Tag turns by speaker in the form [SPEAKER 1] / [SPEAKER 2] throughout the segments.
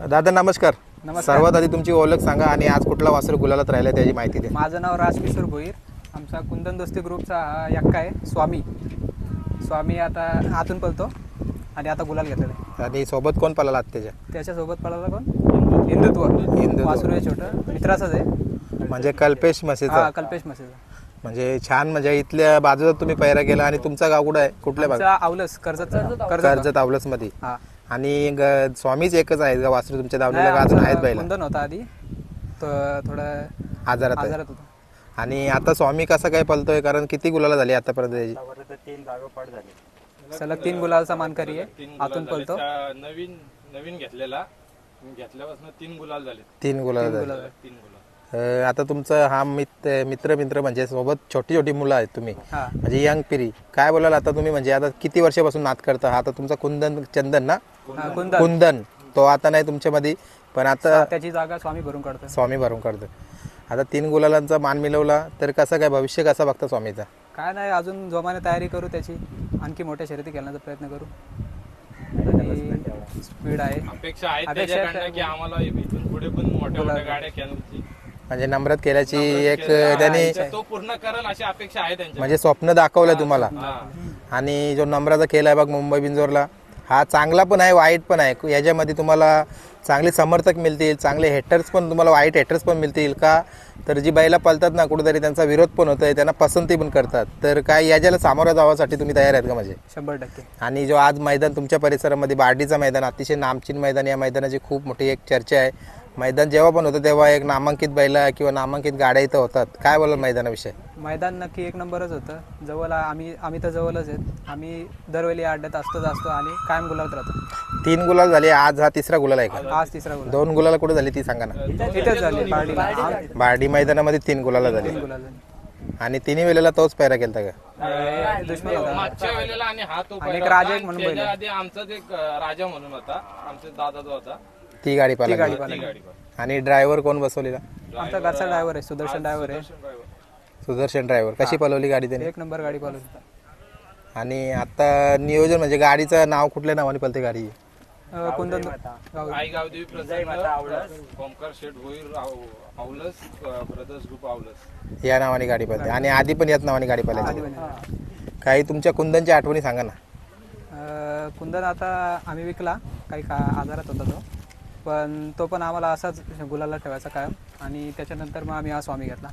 [SPEAKER 1] दादा नमस्कार.
[SPEAKER 2] नमस्कार.
[SPEAKER 1] सर्वात आधी तुमची ओळख सांगा आणि आज कुठला वासरू गुलालात राहिला त्याची माहिती द्या.
[SPEAKER 2] माझं नाव राजकिशोर भोईर. आमचा कुंदन दोस्ती ग्रुपचा हा यक्का आहे स्वामी आता आतून पळतो आणि आता गुलाल घेतलेला आहे.
[SPEAKER 1] आणि सोबत कोण पळाला आज
[SPEAKER 2] त्याच्यासोबत पळाला कोण हिंदुत्व वासरू आहे छोटं मित्राचंच आहे.
[SPEAKER 1] म्हणजे कल्पेश मसेचा.
[SPEAKER 2] कल्पेश मसेचा.
[SPEAKER 1] म्हणजे छान म्हणजे इथल्या बाजूला तुम्ही पैरा केला. आणि तुमचा गाव कुठं आहे कुठल्या भागात?
[SPEAKER 2] आवलस
[SPEAKER 1] कर्जत आवलस मध्ये.
[SPEAKER 2] हा
[SPEAKER 1] आणि स्वामीच एकच आहेत का वासरू तुमच्या दावणीला का अजून आहेत बैला?
[SPEAKER 2] कुंदन होता आधी तो थोडा
[SPEAKER 1] आजारात
[SPEAKER 2] होता.
[SPEAKER 1] आणि आता स्वामी कसा काय पळतोय कारण किती गुलाला झाली आतापर्यंत त्याची?
[SPEAKER 3] 3 जागोपाठ झाले.
[SPEAKER 2] सलग 3 गुलालचा मानकरी आहे. आतून पळतो.
[SPEAKER 3] नवीन घेतल्यापासून 3 गुलाल झाले.
[SPEAKER 1] 3 गुलाला झाले.
[SPEAKER 3] 3 गुलाल.
[SPEAKER 1] आता तुमचं हा मित्र म्हणजे सोबत छोटी छोटी मुलं आहेत तुम्ही
[SPEAKER 2] हा
[SPEAKER 1] म्हणजे यंग पिढी काय बोलाल आता तुम्ही म्हणजे आता किती वर्षापासून नाद करता? हा आता तुमचा कुंदन चंदन ना कुंदन तो आता नाही तुमच्यामध्ये पण आता
[SPEAKER 2] त्याची जागा स्वामी भरून काढतो.
[SPEAKER 1] स्वामी भरून काढतो. आता 3 गुलालांचा मान मिळवला तर कसं काय भविष्य कसं बघता स्वामीचा?
[SPEAKER 2] काय नाही अजून जोमाने तयारी करू त्याची आणखी मोठ्या शर्यती खेळण्याचा प्रयत्न करू. स्पीड आहे
[SPEAKER 3] अपेक्षा आहे त्याच्याकडनं की आम्हाला इथून पुढे पण मोठ्या गाड्या खेळण्याची
[SPEAKER 1] म्हणजे नम्रत केल्याची एक त्याने
[SPEAKER 3] तो पूर्ण करेल अशी अपेक्षा आहे त्यांची.
[SPEAKER 1] म्हणजे स्वप्न दाखवलं तुम्हाला. आणि जो नम्राचा खेळ आहे बघ मुंबई बिंजोरला हा चांगला पण आहे वाईट पण आहे. याच्यामध्ये तुम्हाला चांगले समर्थक मिळतील चांगले हेटर्स पण तुम्हाला वाईट हेटर्स पण मिळतील का तर जी बैला पळतात ना कुठेतरी त्यांचा विरोध पण होतोय त्यांना पसंती पण करतात तर काय याच्याला सामोरं जाण्यासाठी तुम्ही तयार आहेत का? म्हणजे
[SPEAKER 2] 100%.
[SPEAKER 1] आणि जो आज मैदान तुमच्या परिसरामध्ये बार्डीचं मैदान अतिशय नामचीन मैदान या मैदानाची खूप मोठी एक चर्चा आहे. मैदान जेव्हा पण होतं तेव्हा एक नामांकित बैला किंवा नामांकित गाड्या इथं होतात. काय बोलाल मैदानाविषयी?
[SPEAKER 2] मैदान नक्की एक नंबरच होतं. जवळ आम्ही तर जवळच आहेत. आम्ही दरवेळी अड्ड्यात असतो आणि कायम गुलाबत राहतो.
[SPEAKER 1] 3 गुलाल झाले आज हा तिसरा गुलाल आहे का?
[SPEAKER 2] आज तिसरा गुलाल.
[SPEAKER 1] 2 गुलाला कुठे झाली ती सांगा ना.
[SPEAKER 2] इथेच झाले बार्डीला.
[SPEAKER 1] बार्डी मैदानामध्ये 3 गुलाला झाली.
[SPEAKER 2] 3 गुलाल.
[SPEAKER 1] आणि 3 वेळेला तोच पैरा केलता का?
[SPEAKER 2] दुश्मन होता.
[SPEAKER 3] मागच्या वेळेला आणि हा तो
[SPEAKER 2] आणि एक राजा एक म्हणून
[SPEAKER 3] त्याच्या आधी आमचाच एक राजा म्हणून होता. आमचा दादा जो होता
[SPEAKER 1] ती गाडी पाहिली.
[SPEAKER 2] गाडी
[SPEAKER 3] ती
[SPEAKER 2] पाहिली.
[SPEAKER 3] गाडी पाहिली.
[SPEAKER 1] आणि ड्रायव्हर कोण बसवलेला?
[SPEAKER 2] आमचा घरचा ड्रायव्हर आहे सुदर्शन ड्रायव्हर आहे.
[SPEAKER 1] सुदर्शन ड्रायव्हर. कशी पळवली गाडी त्याने?
[SPEAKER 2] एक नंबर गाडी पाहिली.
[SPEAKER 1] आणि आता नियोजन म्हणजे गाडीचं नाव कुठल्या नावाने पळते गाडी?
[SPEAKER 2] कुंदन
[SPEAKER 3] आई गावदेवी प्रसन्न ओमकार शेठ भोईर आवलस ब्रदर्स ग्रुप आवलस
[SPEAKER 1] या नावाने गाडी पळते. आणि आधी पण याच नावाने गाडी पळायची. काही तुमच्या कुंदनच्या आठवणी सांगा ना.
[SPEAKER 2] कुंदन आता आम्ही विकला काही आजारात होता तो पण आम्हाला असाच गुलाला ठेवायचा कायम. आणि त्याच्यानंतर मग आम्ही हा स्वामी घेतला.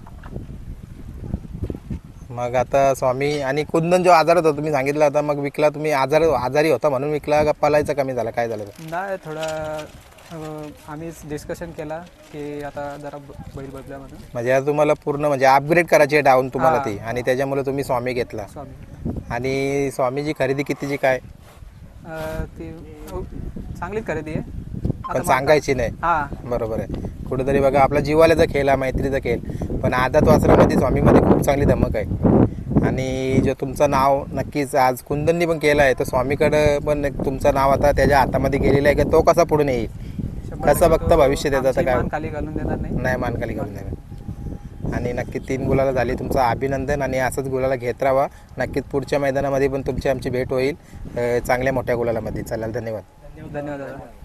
[SPEAKER 1] मग आता स्वामी आणि कुंदन जो आजारात होता तुम्ही सांगितलं आता मग विकला तुम्ही आजारी होता म्हणून विकला का पळायचा कमी झाला काय झालं?
[SPEAKER 2] नाही थोडं आम्हीच डिस्कशन केला की आता जरा बैल बदल्या म्हणून.
[SPEAKER 1] म्हणजे आता तुम्हाला पूर्ण म्हणजे अपग्रेड करायची आहे डाऊन तुम्हाला ती आणि त्याच्यामुळे तुम्ही स्वामी घेतला.
[SPEAKER 2] स्वामी.
[SPEAKER 1] आणि स्वामीची खरेदी कितीची काय?
[SPEAKER 2] ती चांगलीच खरेदी आहे
[SPEAKER 1] पण सांगायची नाही.
[SPEAKER 2] हा
[SPEAKER 1] बरोबर आहे. कुठेतरी बघा आपला जीवाल्याचा खेळ हा मैत्रीचा खेळ पण आदात वासरामध्ये स्वामीमध्ये खूप चांगली धमक आहे. आणि जो तुमचं नाव नक्कीच आज कुंदननी पण केलं आहे तर स्वामीकडं पण तुमचं नाव आता त्याच्या हातामध्ये गेलेलं आहे की तो कसा पुढे येईल कसं बघता भविष्य त्याचं आता काय?
[SPEAKER 2] खाली घालून देणार नाही.
[SPEAKER 1] मान खाली घालून देणार. आणि नक्की 3 गुलाला झाली. तुमचं अभिनंदन आणि असंच गुलाला घेत राहा. नक्कीच पुढच्या मैदानामध्ये पण तुमची आमची भेट होईल चांगल्या मोठ्या गुलालामध्ये. चालेल धन्यवाद.
[SPEAKER 2] धन्यवाद दादा.